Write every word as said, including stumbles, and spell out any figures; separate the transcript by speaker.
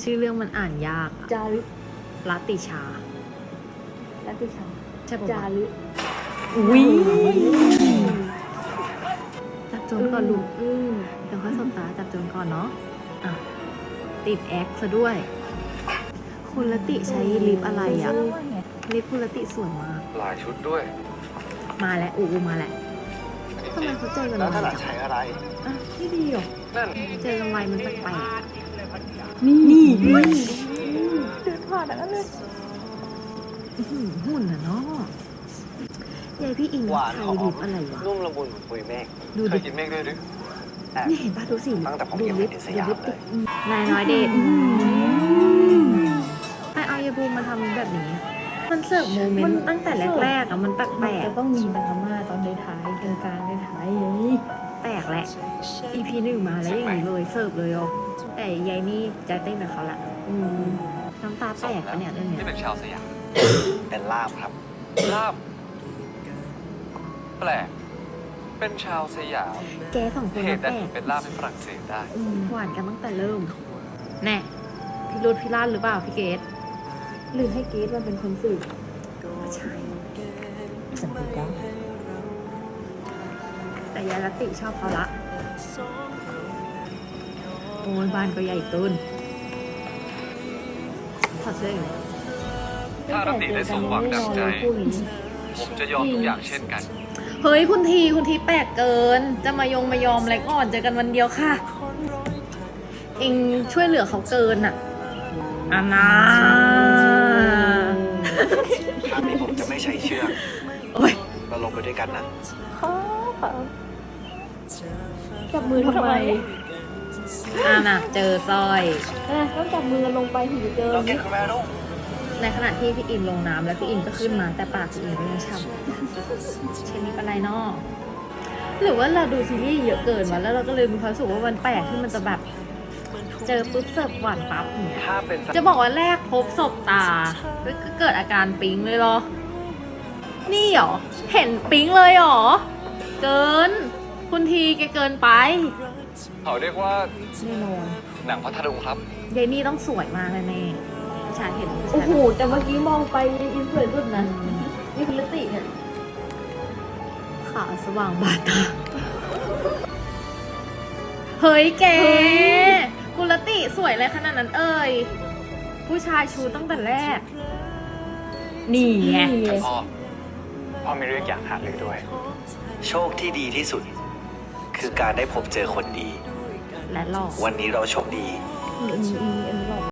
Speaker 1: ชื่อเรื่องมันอ่านยากอะ
Speaker 2: จารึก
Speaker 1: รัตติชา
Speaker 2: รัตติชา
Speaker 1: ใช่ปะ
Speaker 2: จาว
Speaker 1: ะ
Speaker 2: รึก
Speaker 1: อุ้ยจับโจรก่อนลูก
Speaker 2: อืม
Speaker 1: เดี๋ยวค่อยสบตาจับโจรก่อนเนาะอ่ะติดแอคซะด้วย คุณรัตติใช้ลิปอะไรอ่ะ ลิปคุณรัตติสวยมาก
Speaker 3: หลายชุดด้วย
Speaker 1: มาแล้วอูอูมาแล้วทำไมเขาเจอกัน
Speaker 3: แล้ว
Speaker 1: ไว
Speaker 3: ถ้าหลัง
Speaker 1: จัง
Speaker 3: ใช้อะไร
Speaker 1: อ่ะไม่ดีหรอ
Speaker 3: นั่น
Speaker 1: เจอกันไวมันแปลก
Speaker 2: นี่
Speaker 1: ๆนี่
Speaker 2: เดินผ่านแล้วเลย
Speaker 1: อื้อหือหุ่นอ่ะเนาะยายพี่อิง
Speaker 3: หวาน
Speaker 1: ใช้
Speaker 3: หอม
Speaker 1: ลิปอะไรวะ
Speaker 3: นุ่มละมุนเหมือนปุยเมฆ
Speaker 1: ดู
Speaker 3: เค
Speaker 1: ดิ
Speaker 3: ยกินเมฆด้วยหรือแอบ
Speaker 1: นี่เห็นป่ะดูสิ
Speaker 3: ตั้งแต่ผม
Speaker 1: ดู
Speaker 3: ยัง
Speaker 1: ลิ
Speaker 3: ไม่
Speaker 1: ป
Speaker 3: เห็นส
Speaker 1: ดู
Speaker 3: ยาม
Speaker 1: ลิป
Speaker 3: เล
Speaker 1: ติ
Speaker 3: ย
Speaker 1: ดนายน้อยเดทไอเอายายบูมมาทำแบบนี้ มันเสิร์ฟโมเมนต์ตั้งแต่แรกๆอ่ะมันแป
Speaker 2: มั
Speaker 1: ล
Speaker 2: น
Speaker 1: ก
Speaker 2: จะต้องมีดราม่าตอนในท้ายกลางกลางในท้ายอย่างนี้
Speaker 1: ๆแปลกแหละ อี พี หนึ่งมาแล้วอย่างนี้เลยเสิร์ฟเลยอ๋อแต่ยายนี่ใจเต้นกับเขาละ
Speaker 2: อืม
Speaker 1: น้ำตาแตกปะเนี่ยเรื่องเนี้
Speaker 3: ที่
Speaker 1: ย
Speaker 3: เป็นชาวสยาม เป็นลาบครับ ลาบ แปลก เป็นชาวสยาม
Speaker 1: แกสองคน
Speaker 3: เห
Speaker 1: มา
Speaker 3: ตุ
Speaker 1: แป
Speaker 3: ใด
Speaker 1: ล
Speaker 3: ถึ
Speaker 1: ก
Speaker 3: งเป็นลาบในฝรั่งเศสได้
Speaker 2: อืม
Speaker 1: หวานกันตั้งแต่เริ่ม แน่พี่รุดพี่ลั่นหรือเปล่าพี่เกด
Speaker 2: หรือให้เกดมันเป็นคนสืบ
Speaker 1: ใช่
Speaker 2: สัมผัสได้
Speaker 1: แต่ยายรัตติชอบเขาละโอ้ยบ้านก็ใหญ่เกินถอดเสื้ออยู่
Speaker 3: ถ้ารัตติได้สมหวังดังใจ
Speaker 2: คู่นี้
Speaker 3: ผมจะยอมทุกอย่างเช่นกัน
Speaker 1: เฮ้ยคุณทีคุณทีแปลกเกิน จะมายงมายอมอะไรก่อนเจอกันวันเดียวค่ะ เองช่วยเหลือเขาเกินอ่ะอานา
Speaker 3: ถ้านี้ผมจะไม่ใช้เชือก
Speaker 1: โอ้ย
Speaker 3: เราลงไปด้วยกันนะ
Speaker 2: จับมือทำไม
Speaker 1: อาน่ะ เจอสร้อย
Speaker 2: เอ้ยต้องจับมือกันลงไปถึงจะเจอ
Speaker 3: เราเก่งขึ้นแม่ลูก
Speaker 1: ในขณะที่พี่อินลงน้ำแล้วพี่อินก็ขึ้นมาแต่ปากพี่อินก็ยังช่ำเชนนี้เป็นไรเนาะหรือว่าเราดูซีรีส์เยอะเกินวะแล้วเราก็เลยมีความรู้สึกว่ามันแปลกที่มันจะแบบ เจอปุ๊บเสิร์ฟหวานปั๊บอย่างเงี้ย
Speaker 3: ถ้าเป็น
Speaker 1: จะบอกว่าแรกพบศพตาก็เกิดอาการปิ๊งเลยเหรอ นี่เหรอ เห็นปิ๊งเลยเหรอ เกิน คุณทีแกเกินไป
Speaker 3: เขาเรียกว่า
Speaker 2: แน่นอน
Speaker 3: หนังพัทลุงครับ
Speaker 1: ยายนี่ต้องสวยมากแน่ๆผู้ชายเห็นผู้ชาย
Speaker 2: โอ้โหแต่เมื่อกี้มองไปอินสวยสุดนะนี่คุณลติเนี่ย
Speaker 1: ขาสว่างบาดตา เฮ้ยแกกุลติสวยอะไรขนาดนั้นเอ่ย ผู้ชายชูตั้งแต่แรก นี่ไง
Speaker 2: นี่ไง
Speaker 3: พ่อ พ่อมีเรื่องอยากหารือด้วย
Speaker 4: โชคที่ดีที่สุด คือการได้พบเจอคนดี
Speaker 1: และหลอก
Speaker 4: วันนี้เราโชคดี
Speaker 2: อืมอืมอืม